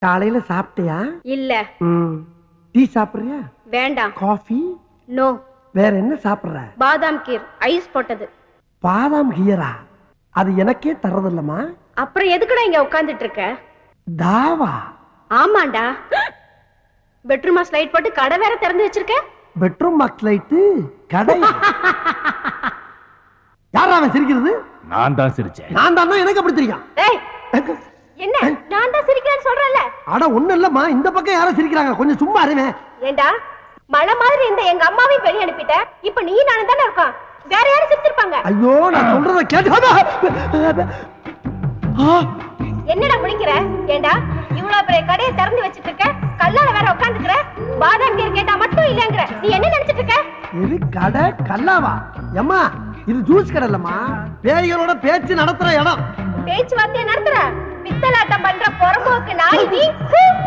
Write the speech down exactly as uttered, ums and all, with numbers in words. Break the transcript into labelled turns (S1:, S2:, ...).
S1: காலையில சாப்பிட்டியா?
S2: இல்ல.
S1: டீ சாப்பிடுறியா?
S2: வேண்டாம்.
S1: காஃபி?
S2: நோ.
S1: வேற என்ன சாப்பிடுற?
S2: பாதாம் கீர் ஐஸ் போட்டது.
S1: பாதாம் கீரா? அது எனக்கே தரதில்லமா.
S2: அப்புறம் எதுக்குடா இங்க உட்கார்ந்துட்டு இருக்க?
S1: தாவா?
S2: ஆமாண்டா. பெட்ரூம் மாஸ் லைட் போட்டு கடை வேற திறந்து வச்சிருக்க.
S1: பெட்ரூம் மாஸ் லைட் கடை? யாரா அவன் சிரிக்கிறது?
S3: நான் தான் சிரிச்சேன்.
S1: நான் தான். எனக்கு அப்படி தெரியும்.
S2: ஏய் என்ன நான் தான் சிரிக்கிறேன்னு சொல்றேன்ல.
S1: அட ஒண்ணு இல்லம்மா, இந்த பக்கம் யாரோ சிரிக்கிறாங்க, கொஞ்சம் சும்மா இருங்க.
S2: ஏண்டா மழை மாதிரி இந்த எங்க அம்மாவையும் வெளிய அனுப்பிட்ட, இப்ப நீ நானும் தானே இருக்கோம், வேற யாரும் சிரிச்சிருப்பாங்க.
S1: ஐயோ நான் சொல்றத கேட்டு.
S2: என்னடா முடிக்கிற? ஏண்டா இவ்வளவு பெரிய கடையை திறந்து வச்சிட்டு இருக்க, கல்லால வேற உட்கார்ந்துக்கிற, பாதாம் கீர் கேட்டா மட்டும் இல்லங்கற, நீ என்ன நினைச்சிட்டு இருக்க?
S1: இது கடை கல்லாவா? அம்மா இது ஜூஸ் கடை இல்லம்மா, பேய்களோட பேச்சு நடத்துற இடம்.
S2: பேச்சு வார்த்தையை நடத்துற பித்தலாட்டம் பண்ற பொறம்போக்கு நாய் நீ.